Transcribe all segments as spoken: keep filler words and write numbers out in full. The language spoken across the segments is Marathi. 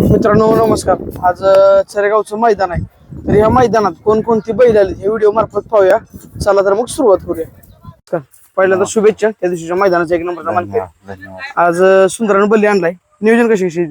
मित्रांनो नमस्कार. आज चरेगावचं मैदान आहे. तर या मैदानात कोणकोणती बैल आली हे व्हिडिओ मार्फत पाहूया. चला तर मग सुरुवात करूया. पहिल्यांदा शुभेच्छा त्या दिवशीच्या मैदानाचा एक नंबरचा मानकरी. आज सुंदरानं बल्ली आणलाय. नियोजन कशी कशी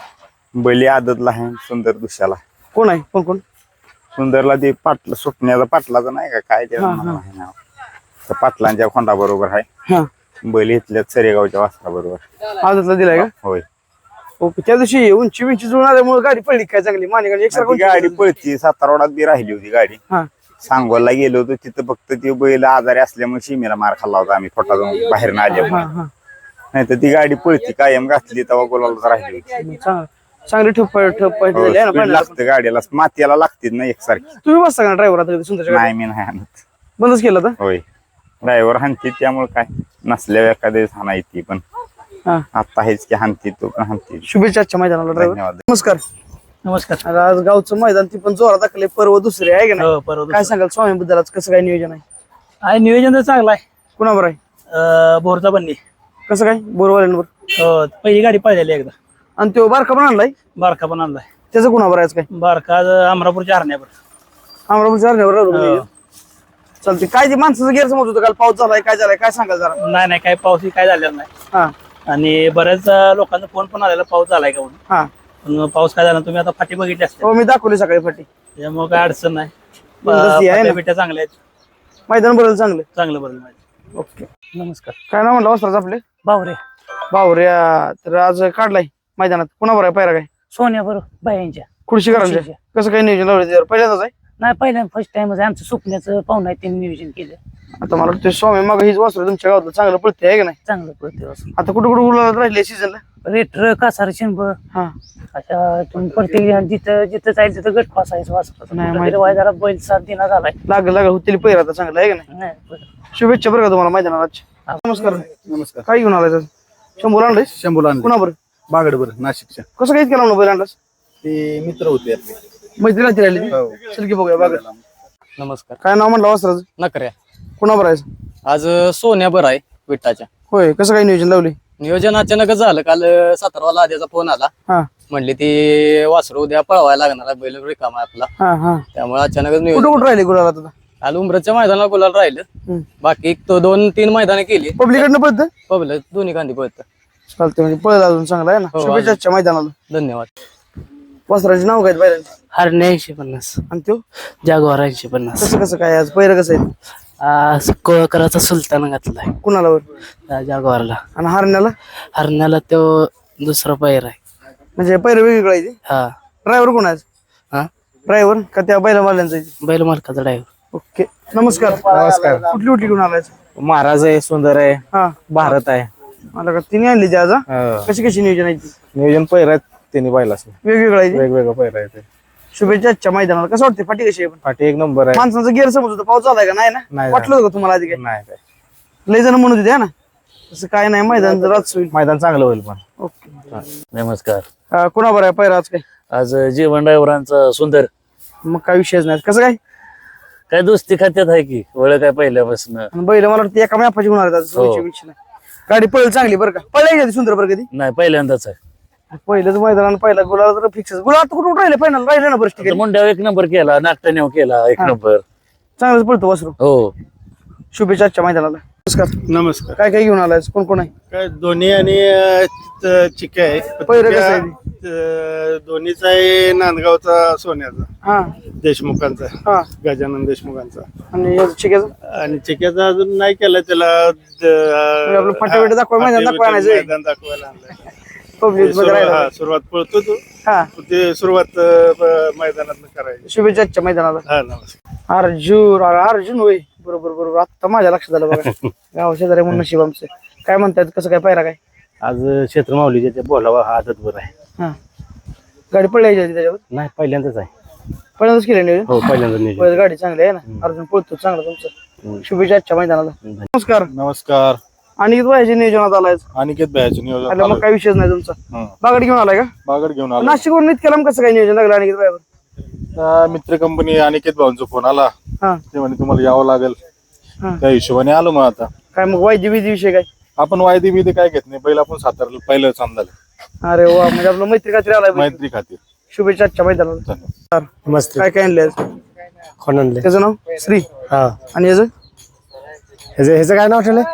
बैली आदतला आहे सुंदर दुसऱ्याला. कोण आहे कोण कोण सुंदरला ते पाटला सुटण्याचा पाटलाचा नाही का काय ते नाव त्या पाटलांच्या खोंडा बरोबर आहे. हा बैल इथल्या चरेगावच्या वासरा बरोबर आजला दिलाय का? होय. ओके. त्या दिवशी उंची विंची जुळून आल्यामुळे गाडी पडली काय चांगली मानेगाडी एक ती गाडी पळती सातारवाडात बी राहिली होती गाडी. हा सांगोला गेलो होतो तिथं फक्त ती बैल आजारी असल्यामुळे शिमेला मार खाल्ला होता आम्ही फोटा जाऊन बाहेर ना आल्या. हा हा नाही तर ती गाडी पळती कायम घातली तेव्हा गोलाला राहिली होती. चांगलं चांगली ठप ठप हो, speed लागतं गाडीला मातीला लागते ना एकसारखी. तुम्ही बसता का ड्रायव्हर आता सुंदरच्या नाही मी नाही आणत. बंदच केलं तर होय ड्रायव्हर हाणती त्यामुळे काय नसल्या एखाद्या हाना येते पण हा आता हेच की हाणती तो पण हाणती. शुभेच्छा आजच्या मैदानाला ड्रायव्हर. धन्यवाद. नमस्कार. नमस्कार. आज गावचं मैदान ती पण जोरात दाखले पर्व दुसरे आहे का नाही? हो, पर्व काय सांगाल स्वामी बद्दल आज कसं काय नियोजन आहे? आहे नियोजन तर चांगलं आहे. कुणावर आहे अं, बोरचा बन्नी. कसं काय बोरवाल्यांवर? हो, पहिली गाडी पाहिलेली एकदा. आणि तो बारका पण आणलाय बारका पण आणलाय. त्याचं कुणावर आहे काय? बारका आज अमरापूरच्या हरण्यावर. अमरापूरच्या हरण्यावर. चालते. काय ते माणसाचं गैरसमज होतं काल पाऊस झालाय काय झालाय काय सांगाल जरा? नाही नाही काही पाऊस काय झालेला नाही. हा आणि बऱ्याच लोकांचा फोन पण आलेला पाऊस झालाय का म्हणून. हा पण पाऊस काय झाला तुम्ही आता फाटी बघितली असते हो मी दाखवली सकाळी फाटी. त्यामुळे काय अडचण नाही. बिनधास्ती आहे ना? फाट्या बिट्या चांगल्या आहेत. मैदान बरं चांगलं. चांगलं बरं माहिती. ओके. नमस्कार. काय नाव म्हणलं वस्त्राचं आपले? बावरे. बावऱ्या. तर आज काढलाय मैदानात कुणावर आहे पायरा काय? सोन्या बरोबर बायांच्या. खुर्शी करायची. कसं काय नियोजन लावलं पहिल्यांदाच आहे? नाही पहिल्यांदा फर्स्ट टाइमच आमचं सुपण्याचं पाहुणं आहे त्यांनी नियोजन केलं. आता मला वाटतं स्वामी मग हीच वासरू तुमच्या गावात चांगलं पडते आहे का नाही? चांगलं पडते. आता कुठं कुठं उलाढाल राहिले सीझनला? रेटर कासार शिंब हा अशा तुम्ही प्रत्येक जिथं जिथं जाईल तिथं गट फासायचं नाही, माहिती. वासरा जरा बैल सात दिना झालाय. लागल लागल होतील पहिला आता चांगलं आहे का नाही? नाही, बरं. शुभेच्छा बरं का तुम्हाला मैदानाला. नमस्कार. नमस्कार. काय घेऊन आलाय शंभर आणलंय? शंभूला आणले. कुणाबर? बागडबर नाशिकच्या. कसं काय केलं बैल आणलास? ते मित्र होते आपले. मैत्री राहते राहिली चल की बघूया बागड. नमस्कार. काय नाव म्हणलं वस्त्राचं? नकऱ्या. कुणाबर आहे? आज सोन्या बरं आहे विठ्ठाच्या. होय. कसं काय नियोजन लावली? नियोजन अचानकच झालं. काल सातारवाला आद्याचा फोन आला. हा म्हणली ती वासरू उद्या पळवायला लागणार आहे, बैल रिकामा आहे आपला. हा हा त्यामुळे अचानकच कुठं नियोजन. कुठं राहिले गुलाला आता? काल उमरच्या मैदानाला गुलाल राहिलं. हम्म. बाकी एक तो दोन तीन मैदाने केली. पब्लिकडनं पडतं पबल दोन्ही कांदी पळत. चालते म्हणजे पळत अजून चांगला आहे ना. हो, शुभेच्छा आजच्या मैदानाला. धन्यवाद. वस्त्राचे नाव काय बैलांचे? हरणे ऐंशी पन्नास आणि तो जागवार ऐंशी पन्नास. कसं कसं काय आज पहिलं कसं आहे? कोळकराचा सुलतान घातलाय कुणाला वर? त्या जागवारला. आणि हरण्याला हरण्याला तो दुसरा पैर आहे. म्हणजे पहिलं वेगवेगळं आहे. हा ड्रायव्हर कोण आहे? हा ड्रायव्हर का त्या बैला मारल्यांचा आहे? बैल मालकाचा ड्रायव्हर. ओके. नमस्कार. नमस्कार. कुठली कुठली घेऊन आलाय? महाराज आहे, सुंदर आहे, हा भारत आहे. मला का तिने आणली ती आज हा? हो. कशी कशी नियोजन आहे ती? नियोजन पैर आहेत त्यांनी पाहिला वेगवेगळं आहे ती? वेगवेगळं पैर आहे ते. शुभेच्छा आजच्या मैदानाला. कसं वाटते फाटी कशी आहे? पण पाठी एक नंबर आहे. माणसांचा गैरसमज होता पाऊस झालाय का नाही ना? नाही वाटलं होतं का तुम्हाला आधी काय? नाही काय लय जण म्हणत होते हा ना तसं काय नाही मैदान रात होईल. मैदान चांगलं होईल पण. ओके. नमस्कार. अं, कुणाबर आहे पहिला आज काय? आज जीवन ड्रायव्हरांचा सुंदर. मग काय विषयच नाही. कसं काय? काय दोस्ती खात्यात आहे की ओळख काय पहिल्यापासून. आणि बैल मला वाटतं एका मॅपाची गुण आज हो. दोनशे वीसशे नाही. गाडी पळेल चांगली बरं का? पळायची सुंदर बरं कधी नाही पहिल्यांदाच आहे. पहिलंच मैदान पहिला गुलाल तर फिक्स. गुलाल आता कुठं राहिले फायनल राहिले ना बरं आता ठीक मुंड्यावर एक नंबर केला, नागटाण्यावर केला एक हा. नंबर. चांगलंच पळतो वासरू. हो. शुभेच्छा आजच्या मैदानाला. नमस्कार. नमस्कार. काय काय घेऊन आलाय? कोण कोण आहे? काय दोन्ही आणि चिक्या आहे. पहिरं कसं आहे? अं, दोन्हीचा आहे नांदगावचा सोन्याचा, हा देशमुखांचा, हा गजानन देशमुखांचा. आणि याचं चिक्याचं? आणि चिक्याचा अजून नाही केला त्याला. आपलं फाटे बिटे दाखवा, मैदान दाखवा आणायचं. मैदान दाखवायला आणलंय. पब्लिक मध्ये राहिला. हा, सुरुवात पळतो तो. हा ते सुरुवात अं, मैदानात करायची. शुभेच्छा आजच्या मैदानाला. हा नमस्कार. अर्जुन अरे अर्जुन होय बरोबर बरोबर आता माझ्या लक्षात आलं बघा. गाव शेजारी म्हणून नशीब आमचं. काय म्हणतात कसं काय पायरा काय? आज क्षेत्र माऊलीच्या त्या बोलावा हा आदत बरं आहे. हा गाडी पळायची होती त्याच्यावर? नाही पहिल्यांदाच आहे. पहिल्यांदाच केलं नियोजन? हो पहिल्यांदा नियोजन. पहिलं गाडी चांगली आहे ना. अर्जुन पळतो चांगला तुमचं. शुभेच्छा आजच्या मैदानाला. नमस्कार. नमस्कार. आणि व्हायचे नियोजनात आलाय अनिकेत भाईचं नियोजन आलं मग काही विषयच नाही तुमचा. हं. बागड घेऊन आलाय का? बागड घेऊन आलो. नाशिकवरून इतक्या लांब कसं काय नियोजन लागलं अनिकेत भाईवर? अं, मित्र कंपनी अनिकेत भाऊंचा फोन आला. हा ते म्हणे तुम्हाला यावं लागेल. हा त्या हिशोबाने आलो मग आता. काय मग वायदी विधी विषय काय? आपण वायदी बिदी काय घेत नाही. पहिला आपण सातारला पहिलं चांदलं अरे वा म्हणजे आपलं मैत्री खात्री आलाय बैल. मैत्री खातीर शुभेच्छा आजच्या मैदानाला. मस्त काय काय आणले आज? कोण आणले त्याचं नाव श्री हा आणि याचं ह्याचं ह्याचं काय नाव ठेवलंय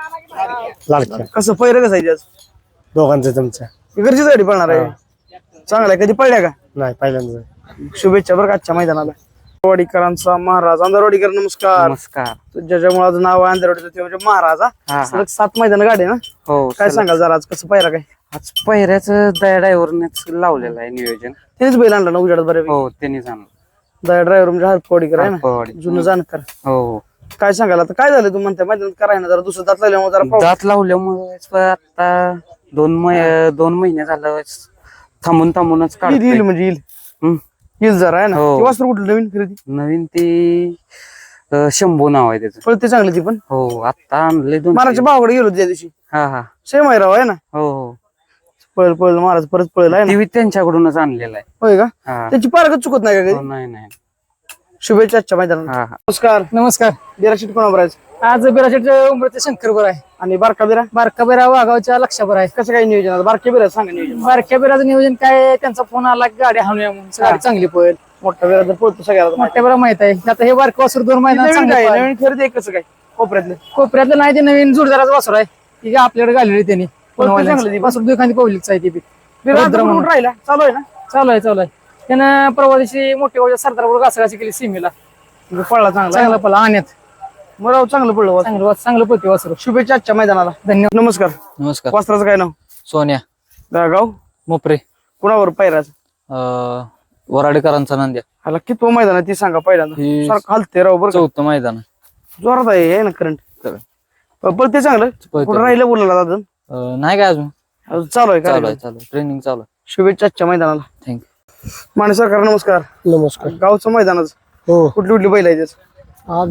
लाडक्या कसं पहिरं कसं आहे आज? दोघांचं तुमच्या घरचीच गाडी पळणार आहे. चांगला आहे. कधी पळल्या का? नाही पहिल्यांदा शुभेच्छा बरं का आजच्या मैदानाला. वाडीकरांचा महाराज अंधारवाडीकर नमस्कार. नमस्कार. ज्याच्यामुळे आज नाव आहे अंधारवाडीचं ते म्हणजे महाराज हा. सलग सात मैदान गाडी आहे ना. हो काय सांगाल जरा आज कसं पायरा काय? आज पहिऱ्याच दया ड्रायव्हरनेच लावलेलं आहे नियोजन. त्यानेच बैल आणला ना उजाडात बरं. हो त्यांनी सांग दया ड्रायव्हर म्हणजे हरपवाडीकर आहे ना, हरपवाडी. जुनं जाणकार. हो काय सांगाल आता काय झालं तू म्हणते मैदानात कराय ना जरा दुसरं दात लागल्यामुळे जरा पाऊस- दात लावल्यामुळे आता दोन मै दोन महिने झालं थांबून थांबूनच येईल काढतोय. येईल म्हणजे येईल हम्म. येईल जरा आहे ना. हो. ती वासरू कुठलं नवीन खरेदी नवीन ती अं, शंभू नाव आहे त्याचं. पळते चांगली ती पण. हो आता आणले दोन महाराजच्या भावाकडे गेलो होतो त्या दिवशी. हा हा सेम आहे राव आहे ना. हो हो पळ पळ महाराज परत पळेल आहे ना. ती त्यांच्याकडूनच आणलेला आहे. होय का? हा त्याची पारखच चुकत नाही का हो, कधी? नाही नाही शुभेच्छा आजच्या मैदानात. हा हा नमस्कार. नमस्कार. बिराशीट कोणावर आहे आज बिराशेटच्या उमरते शंकरवर आहे. आणि बारका बिरा बारका बिरा वाघावच्या लक्षावर आहे. कसं काय नियोजन आता? बारक्या बिरा सांगा नियोजन. बारक्या बिराचं नियोजन काय, त्यांचा फोन आला की गाडी हाणूया म्हणून. गाडी चांगली पळेल. मोठा बिरा तर पळतो सगळ्याला. मोठ्या बिरा माहित आहे. आता हे बारका वासर दोन महिन्यात नवीन चांगलं काय पळालं. नवीन खरेदी आहे कसं काय कोपऱ्यातलं? कोपऱ्यातलं नाही, ते नवीन जोडदाराचं वासर आहे. ती काय आपल्याकडे घाललेली त्यांनी. चांगलं ती. वासर दुखांती पब्लिकचं आहे ती बी. बिरा रुद्र आता म्हणून. कुठं राहिला चालू आहे ना. चालू आहे चालू आहे. त्यानं परवा दिवशी मोठ्या गावच्या सरदारपूर घासाघासी केली सीमेला. म्हणजे पळला चांगला चांगला पळला आणण्यात. मग चांगलं पडलं वासरू. चांगलं चांगलं पळते वासर. शुभेच्छा आजच्या मैदानाला. धन्यवाद. नमस्कार. नमस्कार. वासराचं काय नाव? सोन्या गाव मोपरे कुणावर पायराच? अं, वराडेकरांचा नांद्या. ह्याला कितवं मैदान आहे ती सांगा पहिल्यांदा. ही सारखं हलते राव बरं का. चौथं मैदान जोरात आहे आहे ना करंट. Current. पळते चांगलं. पळते. कुठं राहिलं बोलला अजून? अं, नाही काय अजून अजून चालू आहे चालू का? आहे चालू ट्रेनिंग चालू आहे. शुभेच्छा आजच्या मैदानाला. थँक्यू. माने सरकार नमस्कार. नमस्कार गावचं मैदानच हो कुठली कुठली बैल आहे त्याच? आज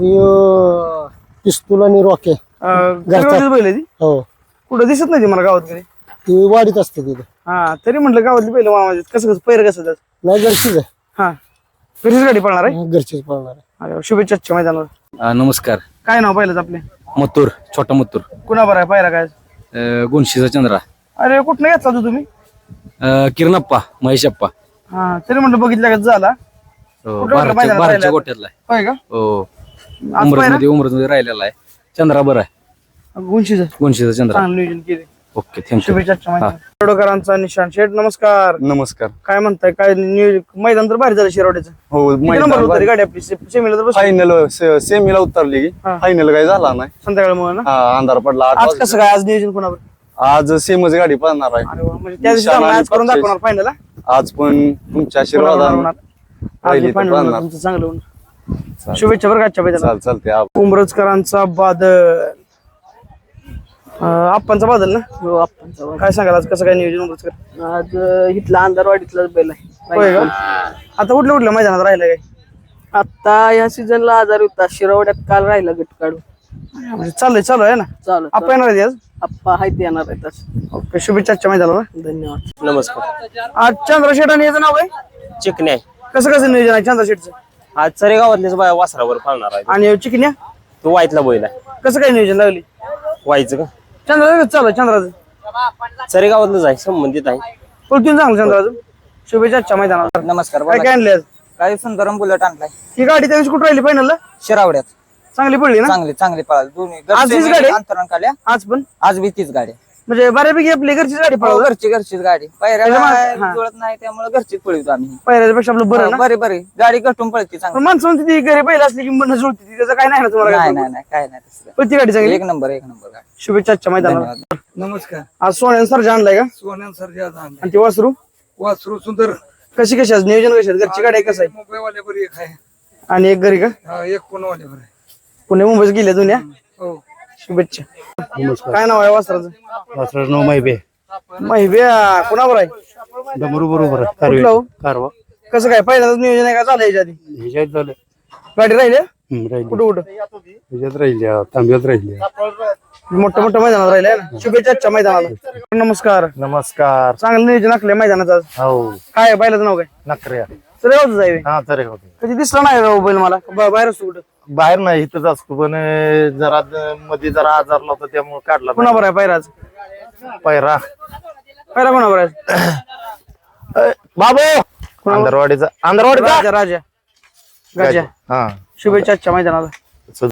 पिस्तूल आणि रॉके घरची बैल आहे ती. हो कुठं दिसत नाही ती मला गावात कधी. ती वाढीत असते तिथे हा तरी म्हटलं गावातली बैल माझ्या कसं कसं पैर कसं त्याच? नाही घरचीच आहे हा घरीच गाडी पळणार आहे. घरचीच पळणार आहे. अरे वा, शुभेच्छा आजच्या मैदानाला. अं, नमस्कार. काय नाव पहिलंच आपले? मथुर छोटा मथुर कुणाबर आहे पायरा काय? अं, गुणशीचा चंद्रा अरे कुठनं घेतला तू तुम्ही? अं, किरणप्पा महेशप्पा हा तरी म्हटलं बघितलं का झाला. हो, कुठं बाराच्या मैदानात बाराच्या राहिला? गोट्यातला आहे. होय का? हो आज उमरत पायरा मध्ये उमरत मध्ये राहिलेला आहे. चंद्रा बरं आहे. गुंशीचं गुणशीचा चंद्रा. चांगलं नियोजन केले. Okay thank you. शुभेच्छा आजच्या मैदानाला. शिरोडकरांचा निशान शेठ नमस्कार. नमस्कार. काय म्हणताय काय नियोजन? मैदान तर भारी झालं शिरोड्याचं. हो किती नंबर होता रे गाडी आपली से- सेमीला तर बसली. फायनल सेमीला उतरली की हा. फायनल काही झाला नाही. संध्याकाळमुळे ना. हा अंधार पडला आठ आज वाजता. कसं काय आज नियोजन कोणावर? आज सेमच गाडी पळणार आहे. अरे वा, म्हणजे त्या दिवशी निशाण चांगलं आणि आज करून पक्षी. दाखवणार फायनल. आज पण तुमच्या आशीर्वादाने राहिली तर पळणार. तुमचं चांगलं होणार. शुभेच्छा बरं का आजच्या मैदानाला. चाल चालते आप- उमरजकरांचा बादल अं, आप्पांचा बादल ना. हो आपण काय सांगाल आज कसं काय नियोजन उमरजकर? आज इथला अंधारवाडीतलाच बैल आहे. होय का? आता कुठल्या कुठल्या मैदानात राहिलं काय? आता या सीझनला आजार होता. शिरवड्यात काल राहिला गट काढून. म्हणजे चाललंय चालू आहे ना. चालू आपण येणार आहे आज. आप्पा हायत येणार आहेत आज. ओके शुभेच्छा आजच्या मैदानाला. धन्यवाद. नमस्कार. आज चंद्रशेठ आणि याचं नाव आहे चिकण्या आहे. कसं कसं नियोजन आहे चंद्रशेठचं? आज चरेगावातलेच बाया वासरावर पाळणार आहे. आणि चिकन्या तो वाईतला बैल आहे. कसं काय नियोजन लागली? वाईचं का चंद्राचं चालू आहे चंद्राचं. चरेगावातलंच आहे, संबंधित आहे. पळतून चांगलं चंद्राचं. शुभेच्छा आजच्या मैदानाला. नमस्कार. काय काय आणले आज? काय सुंदरम बुलेट आणलाय ही गाडी त्या दिवशी कुठं राहिली फायनलला? शिरावड्यात. चांगली पडली ना. चांगली चांगली पळाली दोन्ही. आज हीच गाडी? अंतरण काढल्या. आज पण आज बी तीच गाडी. म्हणजे बऱ्यापैकी आपली घरचीच गाडी हो, पळवलं. घरची घरचीच गाडी. त्याच्यामुळे- हा. पायऱ्याला जुळत नाही त्यामुळे घरचीच पळवतो आम्ही. पहिल्यापेक्षा आपलं बरं ना. बरे बरे गाडी गटून पळते चांगली. पण माणसं म्हणते ती घरी पहिला असली की मन जुळते ती. त्याचं काय नाही ना तुम्हाला नाही काय? नाही नाही काय नाही तसं. पण ती गाडी चांगली. एक नंबर एक नंबर गाडी. शुभेच्छा आजच्या मैदानाला. धन्यवाद. नमस्कार. आज सोन्यान सरजा आणलाय का? सोन्यान सरजा आणलाय. आणि ती वासरू वासरू सुंदर. कशी कशी आज नियोजन कशी आहे? घरची गाडी आहे कसं आहे? मुंबईवाले बरी एक आहे. आणि एक घरी का? हा, एक पुणेवाले बरं आहे. पुणे मुंबईच गेले दुनिया. हो. शुभेच्छा. काय नाव आहे वासराचं? वासराचं नाव माहिती माहिती कुणावर आहे? डमरू बरोबर आहे. कुठलं कारवा हो? कारवा कसं काय पहिल्यांदाच नियोजन आहे का झालं याच्या आधी? ह्याच्यात झालं. गाडी राहिली हम्म, राहिली कुठं कुठं? ह्याच्यात राहिल्या तांब्यात राहिल्या. मोठं मोठं मैदानात राहिले आहे ना. शुभेच्छा आजच्या मैदानाला. नमस्कार. नमस्कार. चांगलं नियोजन आखलंय मैदानात आज. हो काय आहे बैलाचं नाव काय? नकऱ्या. सर यावं जाईल. हा तरी होते. कधी दिसला नाही राव बैल मला. ब- बाहेर असतो कुठं? बाहेर नाही इथंच असतो पण अं, जरा द- मध्ये जरा आजारला होता त्यामुळे काढला कुणावर आहे पायराज? पायरा पहिला कोणावर आहे बाबू अंदरवाडीचा अंदरवाडीचा राजा राजा गजा हा शुभेच्छा आजच्या मैदानाला